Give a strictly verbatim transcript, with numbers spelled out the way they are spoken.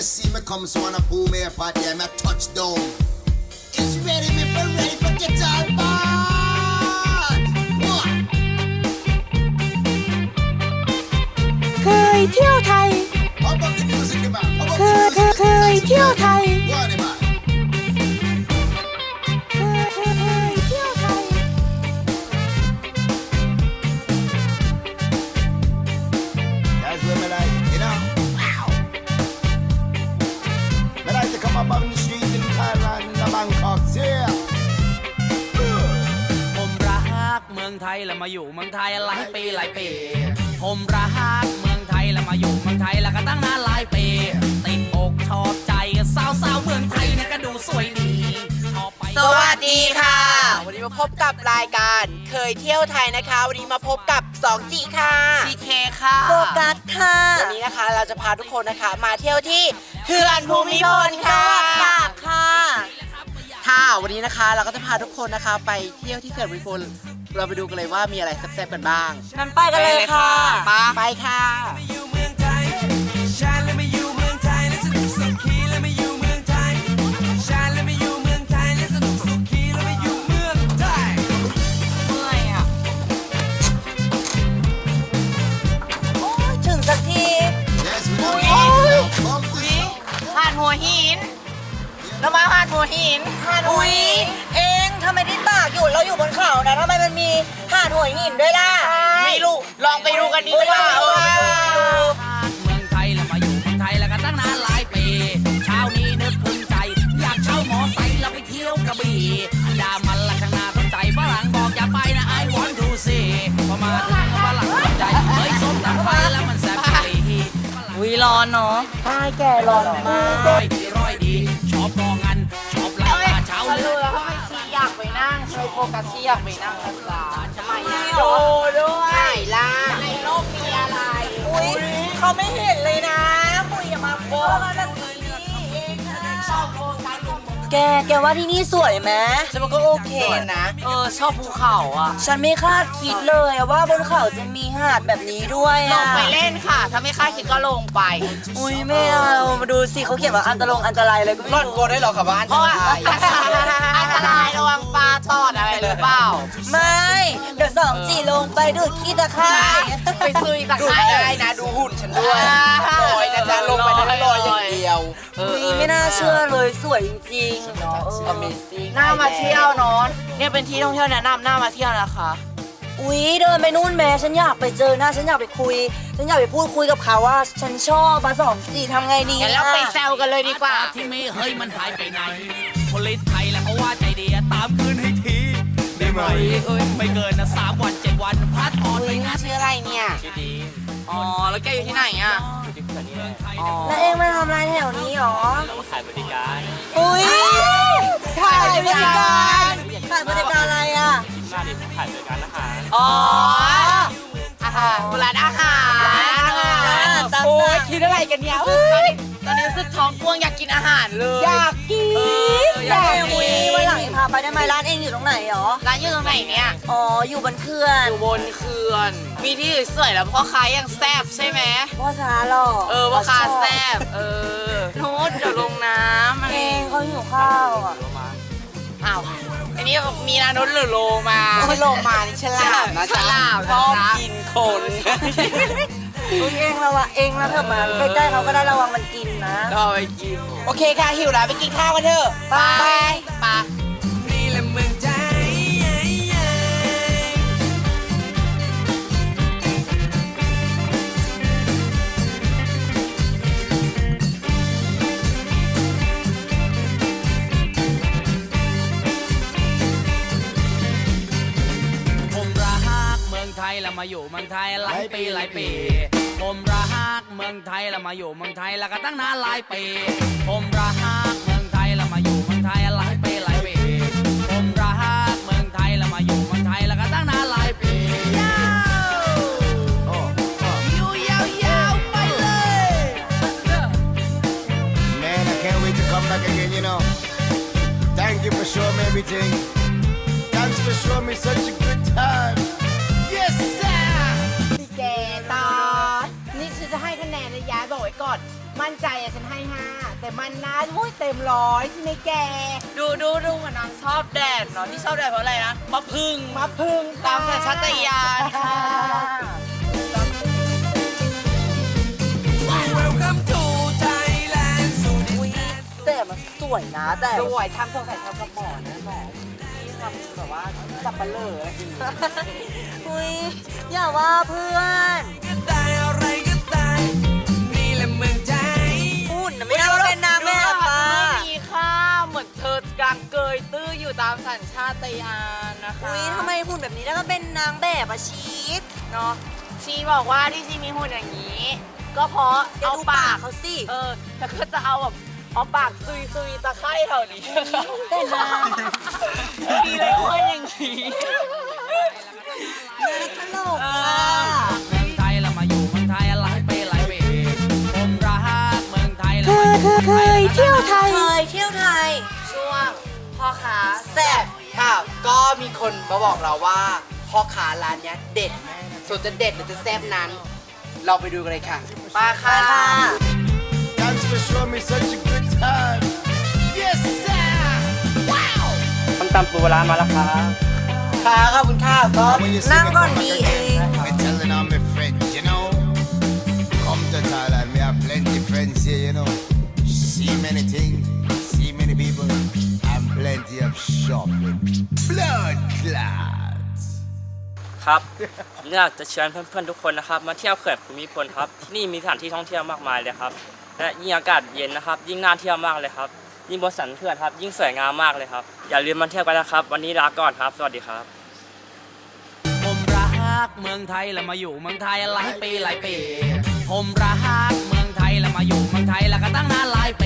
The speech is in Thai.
you see me come, so wanna pull me up out there, me touchdown. It's ready, me for ready for get on board. What? เคยเที่ยวไทย How about the music, the man? How about เค the ย music? เคยเที่ยวไทย Go on, the man. เคยเคยเที่ยวไทย That's what me like, you know. Wow. Me like to come up on the street in Thailand, in the Bangkok, yeah. ผมรักเมืองไทยแล้วมาอยู่เมืองไทยหลายปีหลายปีผมรักเมืองไทยแล้วมาอยู่เมืองไทยแล้วก็ตั้งนานหลายปีติดอกชอบใจสาวสาวๆเมืองไทยเนี่ยก็ดูสวยดีชอบไปสวัสดีค่ะ วันนี้มาพบกับรายการเคยเที่ยวไทยนะคะ วันนี้มาพบกับ สองจี ค่ะ ซี เค ค่ะโฟกัสค่ะวันนี้นะคะเราจะพาทุกคนนะคะมาเที่ยวที่เขื่อนภูมิพลค่ะตากค่ะค่ะวันนี้นะคะเราก็จะพาทุกคนนะคะไปเที่ยวที่เขื่อนภูมิพลเราไปดูกันเลยว่ามีอะไรแซ่บๆกันบ้างนั้นไปกันเลยค่ะไปไปค่ะอยู่เมืองไทยชาติและมาอยู่เมืองไทยและสนุกสุขีและมาอยู่เมืองไทยชาติและมาอยู่เมืองไทยและสนุกสุขีและมาอยู่เมืองไทยเมื่อยอ่ะโอ้ยถึงสักที Yes, we don't Ui. Bump this up. หาดหัวหินเรามาหาดหัวหินหาดหัวอุ้ยหินเองทำไมที่ตากอยู่เราอยู่บนเขานะทำไมมันมีหาดหัวหินด้วยล่ะไม่รู้ลองไปดูกันดีกว่าเออเมืองไทยแล้วมาอยู่เมืองไทยแล้วก็ตั้งนานหลายปีเช้านี้นึกพึงใจอยากเช่ามอไซค์แล้วไปเที่ยวกระบี่อันดามันละข้างหน้าต้นใจฝรั่งบอกอย่าไปนะ I want to see พอมาถึงฝรั่งตกใจเฮ้ยส้มตำไฟแล้วมันแซ่บกะหรี่อุ้ยร้อนเนาะใช่แกร้อนมากร้อยดีร้อยดีชอบกองงันชอบลาปลาเช้าเขาเลืรู้อแล้วดว่าชีอยากไปนั่งเคยโฟกัสชีอยากไปนั่งนะจ๊ะทำไมอ่ะโดด้วยไหนล่ะในโลกมีอะไรอุ้ยเขาไม่เห็นเลยนะปุยอย่ามาโกงแบบนี้เองนะแกแกว่าที่นี่สวยไหมฉันว่าก็โอเคนะ เออชอบภูเขาอ่ะฉันไม่คาดคิดเลยว่าบนเขาจะมีหาดแบบนี้ด้วยลอะงไปเล่นค่ะ ถ้าไม่คาดคิดก็ลงไปอุ้ยไม่เอามาดูสิเขาเขียนว่าอันตรงอันตรายอะไรก็ไม่ร่อนรู้โกได้หรอครับว่าอันตรายอันตรายระวังปลาตอดอะไรหรือเปล่าไม่เดี๋ยวสองจีลงไปดูดขี้ตะไคร้ไปซื้ออีกตะไคร้ได้นะดูหุ่นฉันด้วยลอยนะจ๊ะลงไปได้ลอยอย่างเดียวอุ้ยไม่น่าเชื่อเลยสวยจริงๆเนาะ Amazing น่ามาเที่ยวเนาะเนี่ยเป็นที่ท่องเที่ยวแนะนำน่ามาเที่ยวนะคะอุ้ยเดินไปนู่นแม่ฉันอยากไปเจอหน้าฉันอยากไปคุย ฉันอยากไปพูดคุยกับเขาว่า ฉันชอบมาสองจีทำไงดีงั้นเราไปแซวกันเลยดีกว่าที่ไม่เฮ้ยมันหายไปไหนผลิตไทยแล้วเขาว่าใจดีตามคืนให้ทีได้ไหมเอ้ยไม่เกินนะสามวันเจ็ดวันพัดออนไปอุ้ยนะชื่ออะไรเนี่ยชื่อดีอ๋อ แล้วแกอยู่ที่ไหนอ่ะ อ๋อแล้วเองมาทำอะไรแถวนี้หรอขายบริการอุ้ยถ่ายบริการถ่ายบริการอะไรอ่ะหน้าดิขายบริการอาหารอ๋อ อาหารร้านอาหารตามโอ้ยสั่งคิดอะไรกันเนี่ยเฮ้ยตอนนี้รู้สึกท้องกวงอยากกินอาหารเลยอยากกินเออออยากยากกินอุ้ยวันหลังเองพาไปได้ไหมร้านเองอยู่ตรงไหนหรอร้านอยู่ตรงไหนเนี่ยอ๋ออยู่บนเขื่อนอยู่บนเขื่อน มีที่สวยๆแล้วพ่อค้ายังแซ่บใช่ไหมพ่อช้าหรอเออพ่อค้าแซ่บ เออโน้ตเดี๋ยวลงน้ำอะไรเองเขาหิวข้าวอ่ะอ้าว อันนี้มีนานุษย์หรือโลมาไม่โลมานี่ฉลามนะฉลามชอบกินคนอุ้ยเองระวังเองนะเถอะมาใกล้ๆเขาก็ได้ระวังมันกินนะก็ไปกิน โอเคค่ะหิวแล้วไปกินข้าวกันเถอะไปไปนี่แหละเมืองไทยผมรักเมืองไทยแล้วมาอยู่เมืองไทยหลายปีหลายปีผมรักเมืองไทยแล้วมาอยู่เมืองไทยแล้วก็ตั้งนานหลายปีผมรักเมืองไทยแล้วมาอยู่เมืองไทยหลายปีหลายปีผมรักเมืองไทยแล้วมาอยู่เมืองไทยแล้วก็ตั้งนานหลายปียาวโอ้อยู่ยาวๆไปเลย Man, I can't wait to come back again, you know. Thank you for showing me everything. Thanks for showing me such a good time. Yes, sir. แกตานี่ฉันจะให้คะแนนนะย้ายบอกไว้ก่อน มมั่นใจอะฉันให้ห้าแต่มันนะอุ้ยเต็มร้อยใช่ไหมแกดูดูดูเหมือนนางชอบแดดเนาะที่ชอบแดดเพราะอะไรนะมะพึ่งมาพึ่งตามสัญชาตญาณค่ะ Welcome to Thailand สู่ดินอุ้ยแดนแต่มันสวยนะแต่สวยทำสงสัยทำกับหมอนะหมอที่ทำแบบว่าสับปะเลออะไรอย่างเงี้ยอุ้ยอย่าว่าเพื่อนก็ตายอะไรก็ตายนี่แหละเมืองไทยหุ่นน่ะไม่น่ามาเป็นนางแบบอ่ะไม่มีค่าเหมือนเธอกลางเกยตื้ออยู่ตามสัญชาตญาณนะคะอุ้ยทำไมหุ่นแบบนี้แล้วก็เป็นนางแบบอะชีสเนาะชีบอกว่าที่ชีมีหุ่นอย่างนี้ ก็เพราะจะเอาดูปาปากกเขาสิเออแล้วก็จะเอาแบบเอาปากซุยซุยๆตะไคร่แถวนี้แต่นางมีเลยคนอย่างนี้ตลกอ่ะเมืองไทยแล้วมาอยู่เมืองไทยหลายปีหลายปีผมรักเมืองไทยแล้วเธมาออยู่เธอเคยเที่ยวไทยเคยเที่ยวไทยช่วงพ่อค้าแซ่บค่ะ ก็มีคนมาบอกเราว่าพ่อค้าร้านเนี้ยเด็ดส่วนจะเด็ดหรือจะแซ่บนั้น เราไปดูกันเลยค่ะไป้าค่ะ Thanks for showing me such a good time. Yes, sir. Wow. ต้มตำปูปลาร้ามาแล้วครับค่ะขอบคุณค่ะก็ When you see Nang me gon come di back again, eh. me telling all my friends, you know. Come to Thailand, me have plenty friends here, you know. See many things, see many people, and plenty of shopping. Blood clots. ครับ ผมอยากจะเชิญเพื่อนๆทุกคนนะครับ มาเที่ยวเขื่อนภูมิพลครับ ที่นี่มีสถานที่ท่องเที่ยวมากมายเลยครับ และยิ่งอากาศเย็นนะครับ ยิ่งน่าเที่ยวมากเลยครับ ยิ่งบนสันเขื่อนครับ ยิ่งสวยงามมากเลยครับ อย่าลืมมาเที่ยวกันนะครับ วันนี้ลาก่อนครับ สวัสดีครับผมรักเมืองไทยแล้วมาอยู่เมืองไทยหลายปีหลายปีผมรักเมืองไทยแล้วมาอยู่เมืองไทยแล้วก็ตั้งนานหลายปี